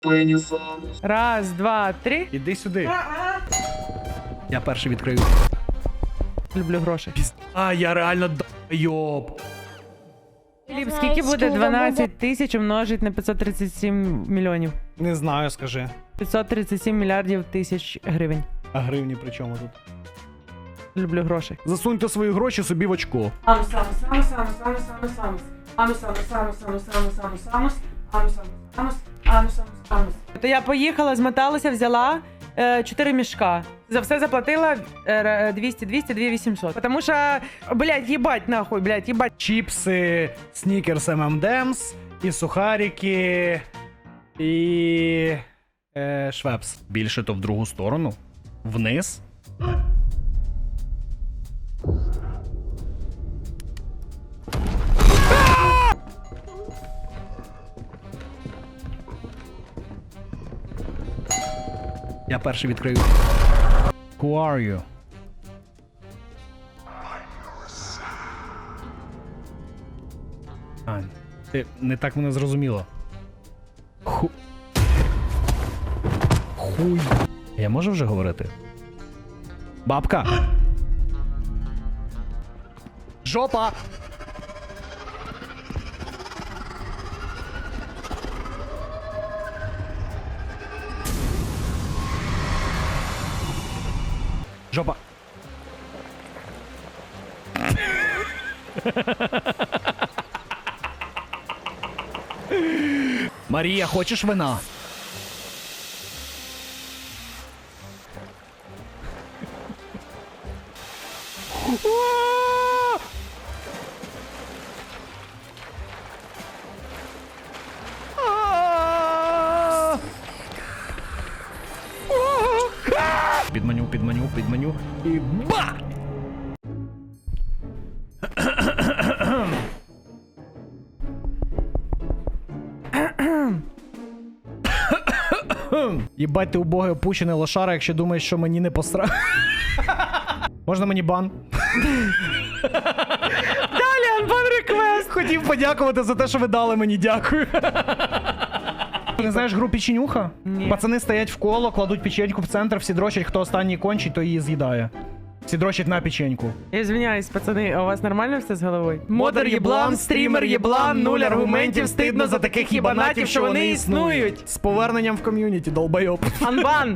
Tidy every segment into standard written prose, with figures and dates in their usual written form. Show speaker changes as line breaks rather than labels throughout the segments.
Раз, два, три.
Іди сюди. Я перший відкрию.
Люблю гроші.
А, я реально дойоб.
Філіп, скільки буде 12 тисяч умножити на 537 мільйонів?
Не знаю, скажи.
537 мільярдів тисяч гривень.
А гривні при чому тут?
Люблю гроші.
Засуньте свої гроші собі в очко.
То я поїхала, змоталася, взяла 4 мішка. За все заплатила 200, 2800. Потому що, блядь, їбать нахуй, блядь, їбать.
Чіпси, снікерс M&M's, і сухарики, і... швепс. Більше то в другу сторону. Вниз. Я перший відкрию. Who are you? А, ти не так мене зрозуміло. Хуй. Я можу вже говорити? Бабка! Жопа! Жопа! Марія, хочеш вина? Підманю і ба! Єбать, ти убогий опущений лошара, якщо думаєш, що мені не посра... Можна мені бан?
Далі, анбан реквест!
Хотів подякувати за те, що ви дали мені, дякую. Ти не знаєш гру печенюха?
Ні.
Пацани стоять в коло, кладуть печеньку в центр, всі дрочать, хто останній кончить, то її з'їдає. Всі дрочать на печеньку.
Я звиняюсь, пацани, а у вас нормально все з головою?
Модер єблан, стрімер єблан, нуль аргументів, стидно за таких єбанатів, що вони існують. З поверненням в ком'юніті, долбойоб.
Анбан!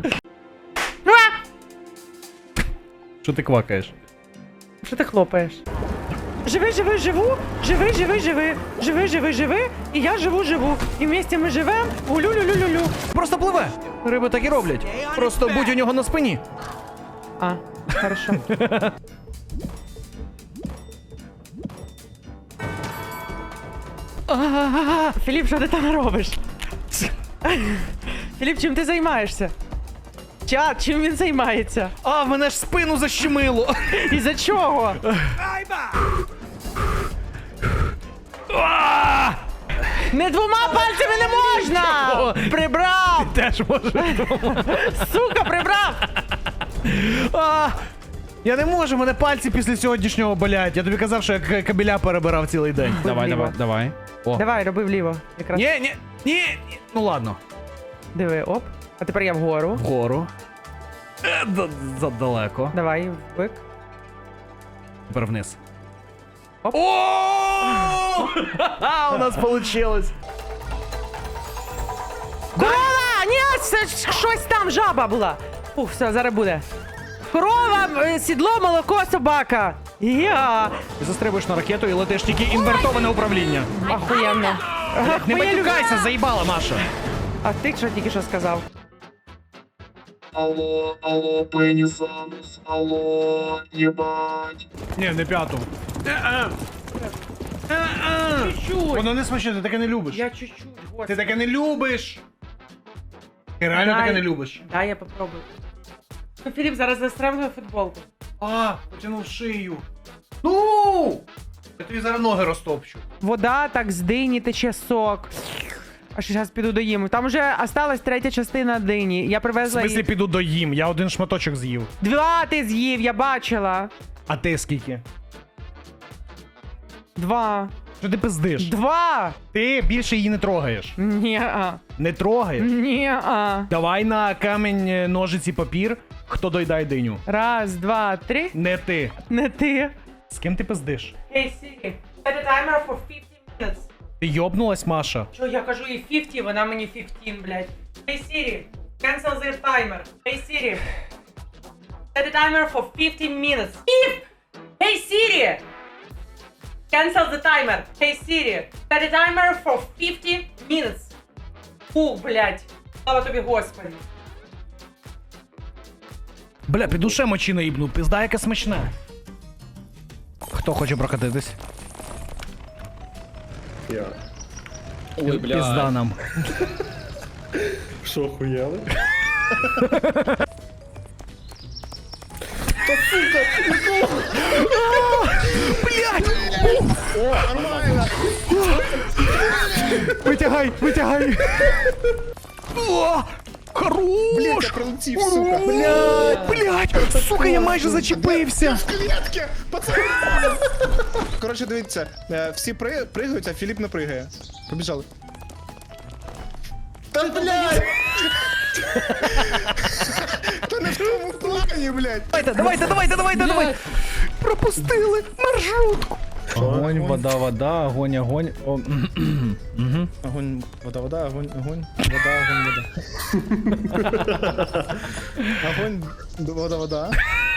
Що ти квакаєш?
Що ти хлопаєш? Живи, живи, живу, живи, живи, живи, живи, живи, живи, і я живу, живу. І вместе ми живем, улю-лю-лю-лю-лю.
Просто пливе. Риби так і роблять. Просто будь у нього на спині.
А, хорошо. Філіп, що ти там робиш? Філіп, чим ти займаєшся? Чат, чим він займається?
А, мене ж спину защемило.
І за чого? Не двома пальцями не можна! Прибрав!
Теж може.
Сука, прибрав!
Я не можу, мене пальці після сьогоднішнього болять. Я тобі казав, що я кабеля перебирав цілий день. Давай. О.
Давай, роби вліво. Якраз.
Ні. Ну ладно.
Диви, оп. А тепер я вгору.
Вгору. Задалеко.
Давай, вбик.
Тепер вниз.
Оп.
О! У нас получилось.
Корова! Ні, це ж щось там, жаба була. Ух, все, зараз буде. Корова, сідло, молоко, собака. Я.
Ти застрибуєш на ракету і летиш тільки інвертоване управління.
Охуєнно.
Не матюкайся, заїбала, Маша.
А ти що тільки що сказав?
Алло, пенисанус, алло, ебать.
Ні, не п'яту.
Чуть-чуть.
Воно не смачне, ти таке не любиш.
Я чуть-чуть,
Ти
господи.
таке не любиш. Ти реально
Дай.
таке не любиш.
Дай я попробую. Ну, Філіп, зараз застрем футболку.
Потянув шию. Ну! Я тобі зараз ноги розтопчу.
Вода так з дині тече сок. Аж зараз піду доїм. Там вже осталась третя частина дині. Я
В
привезла
смислі
її.
піду доїм, я один шматочок з'їв.
2 ти з'їв, я бачила.
А ти скільки?
2.
Що ти пиздиш?
2!
Ти більше її не трогаєш.
Ні-а.
Не трогаєш?
Ні-а.
Давай на камінь, ножиці, папір. Хто доїдає диню?
1, 2, 3.
Не ти.
Не ти.
З ким ти пиздиш?
Hey Siri, set a timer for 15 minutes.
Ти йобнулась, Маша?
Що, я кажу їй 50, вона мені 15, блядь. Hey Siri, cancel the timer. Hey Siri, set a timer for 15 minutes. Hey Siri, cancel the timer. Hey Siri, set a timer for 50 minutes. Фу, блядь. Слава тобі, Господи.
Бля, піду ще мочі наїбну, пизда яке смачне. Хто хоче прокатитись?
Я.
Ой,
Пизда
бля.
нам.
Що, хуяли?
Витягай, витягай. О, хорош!
Блять, я прилетів, сука.
Блять, сука, я майже зачепився.
В клітки! Пацани! Коротше, дивіться, всі пригають, а Філіп не пригає. Побіжали. Та блядь! Та не в тому плані, блядь!
Давайте. Пропустили маршрутку. Огонь, вода, огонь. О,
Огонь, вода, огонь, вода. Огонь, вода.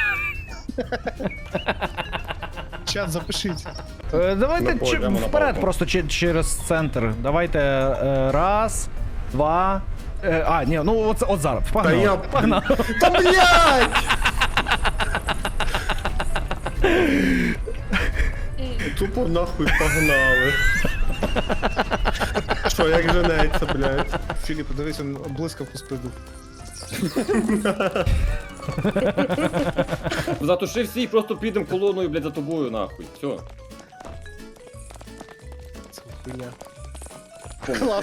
Чат, запишіть.
Давайте
Йдемо на
вперед,
палку.
просто через центр. Давайте раз, два. Ні, ну от зараз. Погнали.
Та блядь!
Тупо нахуй погнали. Що, як женеться, блядь?
Філіп, дивись, він блискавку спиздив.
Затуши всі і просто підемо колоною, блядь, за тобою, нахуй. Все.
Це хуйня. Клас.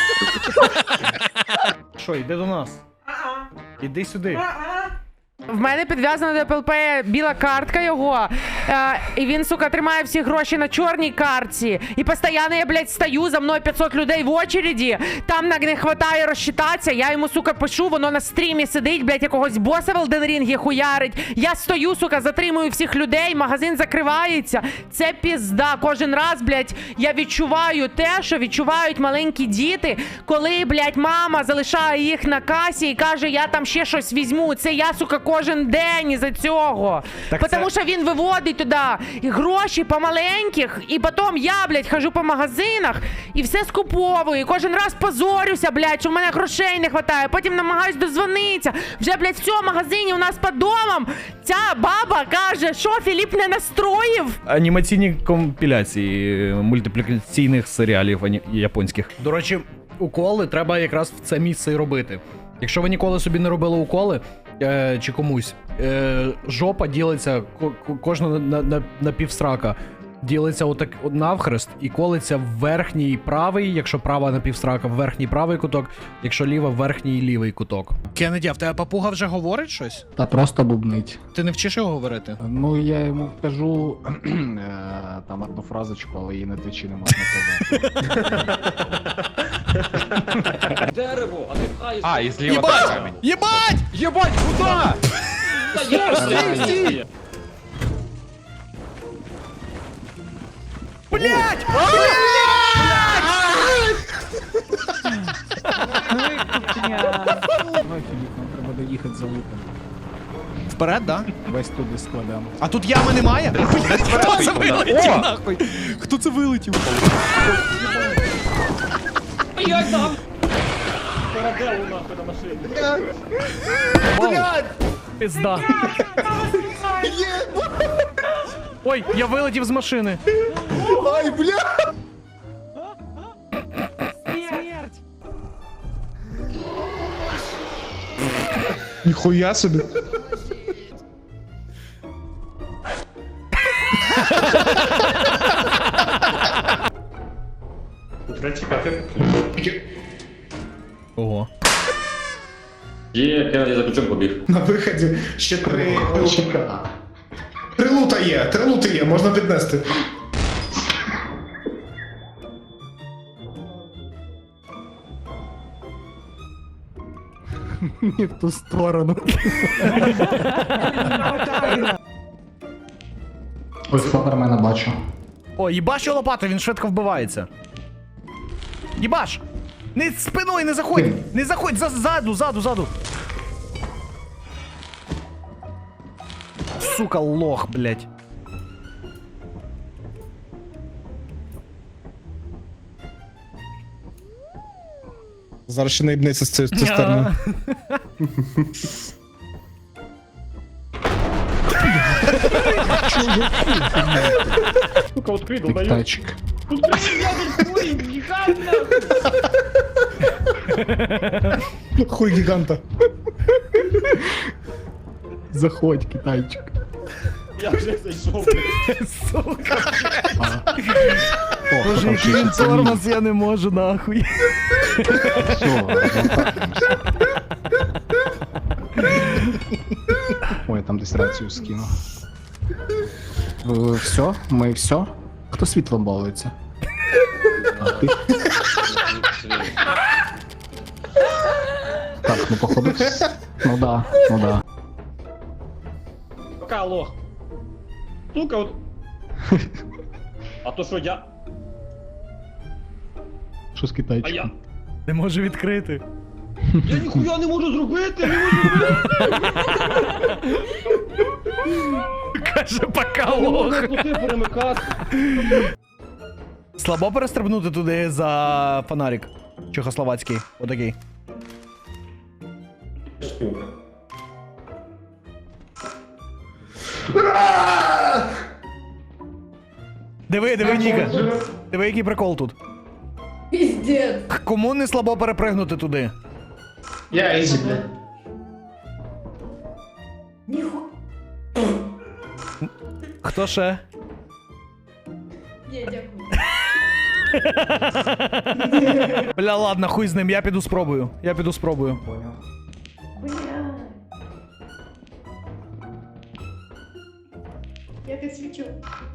Що, йди до нас. Іди сюди.
В мене підв'язана до ПЛП біла картка його, і він, сука, тримає всі гроші на чорній картці. І постійно я, блядь, стою, за мною 500 людей в очереді, там не хватає розчитатися, я йому, сука, пишу, воно на стрімі сидить, блядь, якогось боса в Elden Ring хуярить. Я стою, сука, затримую всіх людей, магазин закривається. Це пізда. Кожен раз, блядь, я відчуваю те, що відчувають маленькі діти, коли, блядь, мама залишає їх на касі і каже, я там ще щось візьму. Це я, сука, кожен день із-за цього.
Так
Тому
це-
що він виводить туди і гроші помаленьких, і потім я, блядь, хожу по магазинах і все скуповую. І кожен раз позорюся, блядь, що в мене грошей не вистачає. Потім намагаюсь дозвонитися. Вже, блядь, в цьому магазині у нас під домом ця баба каже, що Філіп не настроїв.
Анімаційні компіляції мультиплікаційних серіалів японських. До речі, уколи треба якраз в це місце і робити. Якщо ви ніколи собі не робили уколи, чи комусь, жопа ділиться, кожна на півсрака, ділиться отак навхрест і колиться в верхній правий, якщо права напівсрака, в верхній правий куток, якщо ліва, в верхній лівий куток. Кеннеді, а в тебе папуга вже говорить щось?
Та просто бубнить.
Ти не вчиш його говорити?
Ну я йому кажу там одну фразочку, але її на твічі не можна казати.
Дерево, а ти пхаєш.
А, і зліва так камінь.
Єбать!
Єбать, куда?
Стій!
Блять!
Давай, Філіп, нам треба доїхати за луком.
Вперед, да?
Весь туди складемо.
А тут ями немає? Блять, хто це вилетів нахуй? Хто це вилетів?
Як там? Параделу нахуй на машині.
Блять! Пизда. Ой, я вилетів з машини.
Ай, бля!
Смерть.
Ніхуя собі.
Треба чекати.
Ого.
Є, Кеннеді за ключом побіг.
На виході ще три лута. Три лута є, можна піднести.
Не в ту сторону. Ось Флавермена бачу.
О, їбаш його лопата, він швидко вбивається. Їбаш! Не спиною, не заходь! Не заходь, ззаду! Сука, лох, блядь.
Зараз ще наїбнеться з цієї сторони.
Сука, открыл, даю.
Тачик.
Хуй гіганта.
Заходь, китайчик.
Я вже зайшов, блядь.
Сука.
О,
Боже,
там
який він
щось
тормоз, я не можу, нахуй.
Все, розмотаємося. Ой, я там десь рацію скину. Все? Ми все? Хто світлом балується? А, ти? Так, ну походу. Ну да, ну да.
Пока, лох. Сука, от. А то що я?
Що з
А я?
китайчиком?
Не можу відкрити.
Я ніхуя не можу зробити, не можу зробити.
Каже, пока,
Не можу
лох.
пути перемикати.
Слабо перестрибнути туди за фонарик. Чехословацький. Отакий. Диви, Ніка. Диви, який прикол тут.
Пиздец.
Кому не слабо перепригнути туди?
Я ізі, блядь.
Ниху...
Хто ще?
Не, дякую.
Бля, ладно, хуй з ним, я піду спробую.
Бля. Я как свечу.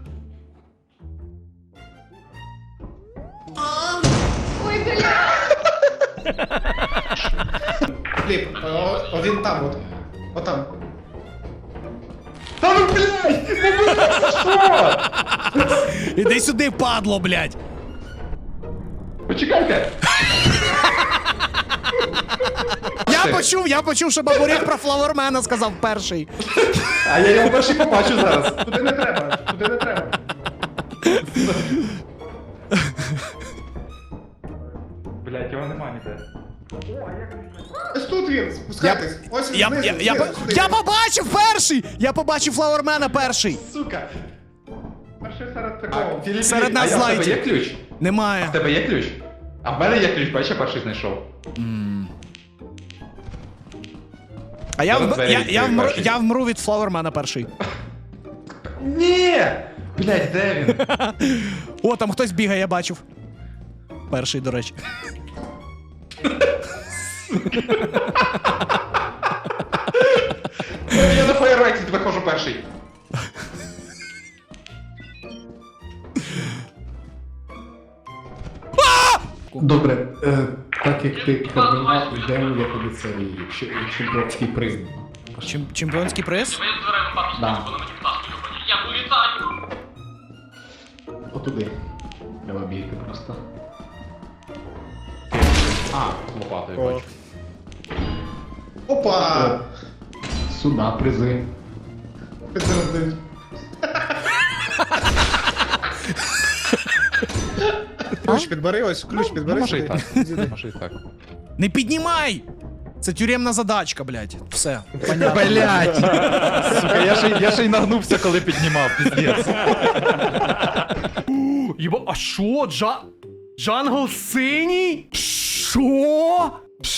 Ой, бля.
Фліп, він там от. Отам.
Іди сюди, падло, блядь.
Почекайте!
Я почув, що бабурік про Флавермена сказав перший.
А я його перший побачу зараз.
Туди не треба, туди не треба.
Блять, його нема ніде.
Ось тут він, спускайтесь. Ось він знизу, сюди.
Я побачив перший! Я побачив Флавермена перший.
Сука.
Перший серед такого.
Філіп,
Серед нас
а в тебе
злайті.
є ключ? В
Немає.
тебе є ключ? А в мене є ключ, бачиш, я перший знайшов.
А я,
Зараз двері відкрию перший.
я вмру від Флавермена перший.
Ні! Блять, де він?
О, там хтось бігає, я бачив. Перший, до речі.
Я на фаєрвейці виходжу перший.
Добре, так як ти кардинал, йдемо я тобі цей чемпіонський приз.
Чемпіонський приз?
Да. Отуди. Треба бігти просто.
А, лопатою бачу.
Опа!
Сюда призи.
Підтвердив.
Ключ підбери, ось ключ підбери.
Може і
сюди.
так. Може і так.
Не піднімай! Це тюремна задачка, блядь. Все. Понятно.
Блять! Сука, я ще й нагнувся, коли піднімав, піздець.
Єба, а що? Джангл синій? Що?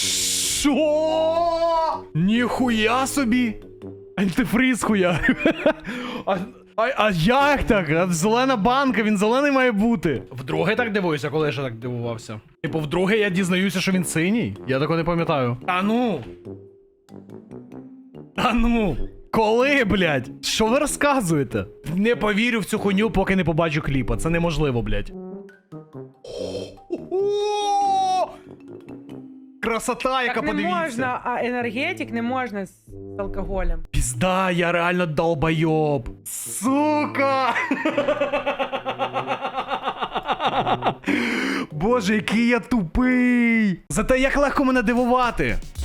Що? Ніхуя собі! Антифриз хуя. А як так? А зелена банка, він зелений має бути. Вдруге так дивуюся, коли я ще так дивувався. Типу, вдруге я дізнаюся, що він синій? Я такого не пам'ятаю. Та ну! Та ну! Коли, блядь? Що ви розказуєте? Не повірю в цю хуйню, поки не побачу кліпа. Це неможливо, блядь. красота, яка,
Так не
подивіться.
можна, а енергетик не можна з алкоголем.
Пізда, я реально долбойоб. Сука! Боже, який я тупий! Зате як легко мене дивувати.